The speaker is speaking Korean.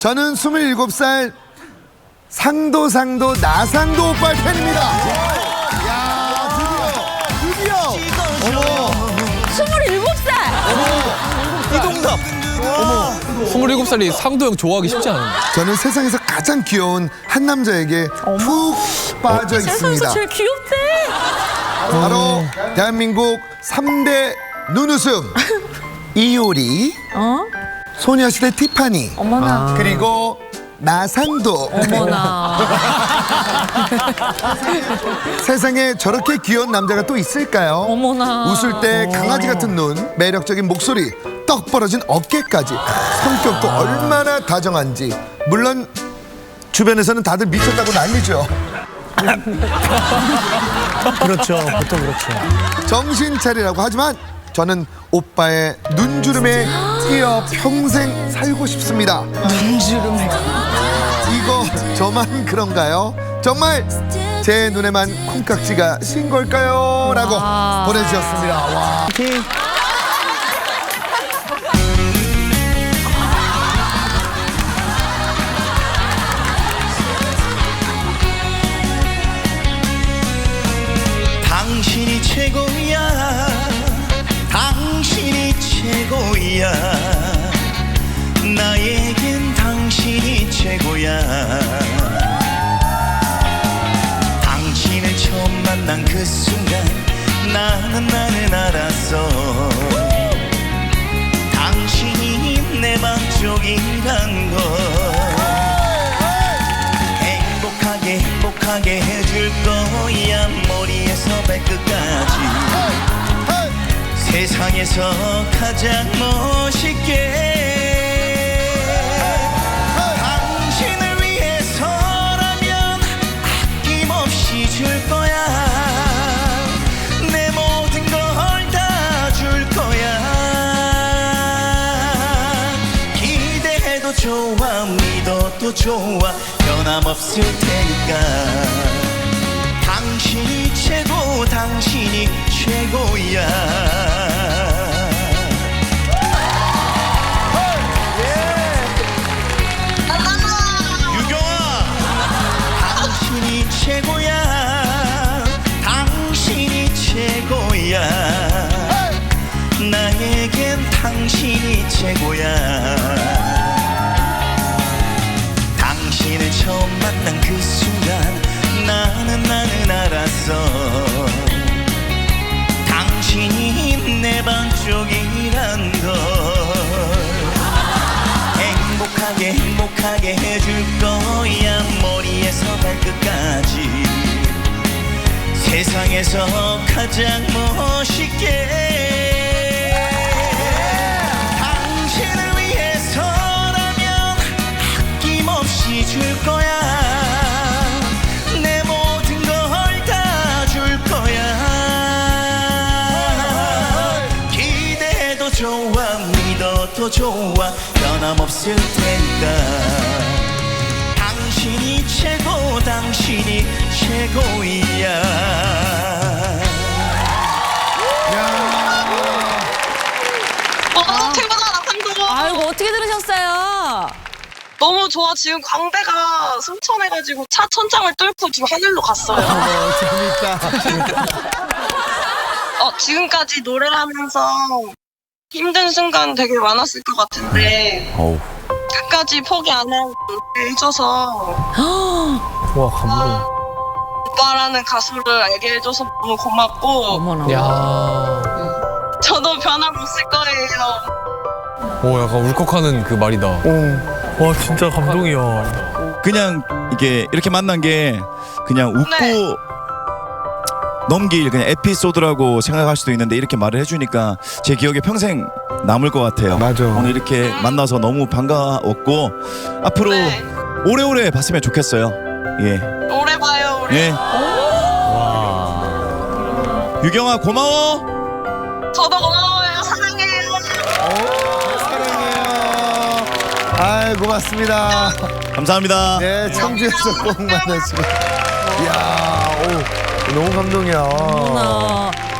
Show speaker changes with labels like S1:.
S1: 저는 27살 상도 나상도 오빠의 팬입니다. 야, 드디어.
S2: 27살!
S3: 이동섭.
S4: 27살이 상도형 좋아하기 쉽지 않은데.
S1: 저는 세상에서 가장 귀여운 한 남자에게 푹 빠져
S2: 세상에서
S1: 있습니다.
S2: 제일 귀엽대.
S1: 바로 대한민국 3대 눈웃음 이효리, 소녀시대 티파니,
S2: 어머나.
S1: 그리고 나상도.
S2: 어머나.
S1: 세상에 저렇게 귀여운 남자가 또 있을까요?
S2: 어머나.
S1: 웃을 때 강아지 같은 눈, 매력적인 목소리, 떡 벌어진 어깨까지, 성격도 얼마나 다정한지. 물론 주변에서는 다들 미쳤다고 난리죠.
S3: 그렇죠. 보통 그렇죠.
S1: 정신 차리라고 하지만 저는 오빠의 눈주름에 끼어 평생 살고 싶습니다.
S2: 눈주름에.
S1: 이거 저만 그런가요? 정말 제 눈에만 콩깍지가 신 걸까요? 라고
S2: 와.
S1: 보내주셨습니다. 와.
S5: 당신이 최고야, 당신이 최고야, 나에겐 당신이 최고야. 당신을 처음 만난 그 순간 나는 알았어. 당신이 내 맘쪽이란 걸. 행복하게 해줄 거야, 머리에서 발끝까지. 세상에서 가장 멋있게. 당신을 위해서라면 아낌없이 줄 거야. 내 모든 걸 다 줄 거야. 기대해도 좋아, 믿어도 좋아, 변함없을 테니까. 당신이 최고, 당신이 최고야. 유경아, 당신이 최고야, 당신이 최고야, 나에겐 당신이 최고야. 당신을 처음 만난 그 순간 나는 알았어. 당신이 내 반쪽이란 걸. 행복하게 해줄 거야, 머리에서 발끝까지. 세상에서 가장 멋있게. 당신을 위해서라면 아낌없이 줄 거야. 내 모든 걸 다 줄 거야. 기대해도 좋아, 믿어도 좋아, 변함없을 테니까. 당신이 최고, 당신이 최고야.
S6: 최고다, 나상도.
S2: 아이고, 어떻게 들으셨어요?
S6: 너무 좋아. 지금 광대가 승천해가지고 차 천장을 뚫고 지금 하늘로 갔어요.
S1: 재밌다.
S6: 지금까지 노래를 하면서 힘든 순간 되게 많았을 것 같은데 끝까지 포기 안 하고 노래를 해줘서
S3: 와, 감동.
S6: 오빠라는 가수를 알게 해줘서 너무 고맙고
S2: 어머나.
S4: 야.
S6: 저도 변함없을 거예요.
S4: 오, 약간 울컥하는 그 말이다.
S3: 와, 진짜 감동이야.
S5: 그냥 이게 이렇게 만난 게 그냥 웃고
S6: 네.
S5: 넘길 그냥 에피소드라고 생각할 수도 있는데, 이렇게 말을 해주니까 제 기억에 평생 남을 것 같아요.
S1: 맞아.
S5: 오늘 이렇게 만나서 너무 반가웠고 앞으로
S6: 네.
S5: 오래오래 봤으면 좋겠어요. 예.
S6: 오래 봐요, 우리.
S5: 예. 유경아 고마워.
S6: 저도 고마워요. 사랑해요.
S1: 사랑해요. 아이, 고맙습니다.
S5: 감사합니다.
S1: 네, 청주에서 꼭 만나시고. 이야, 오, 너무 감동이야.
S2: 어머나.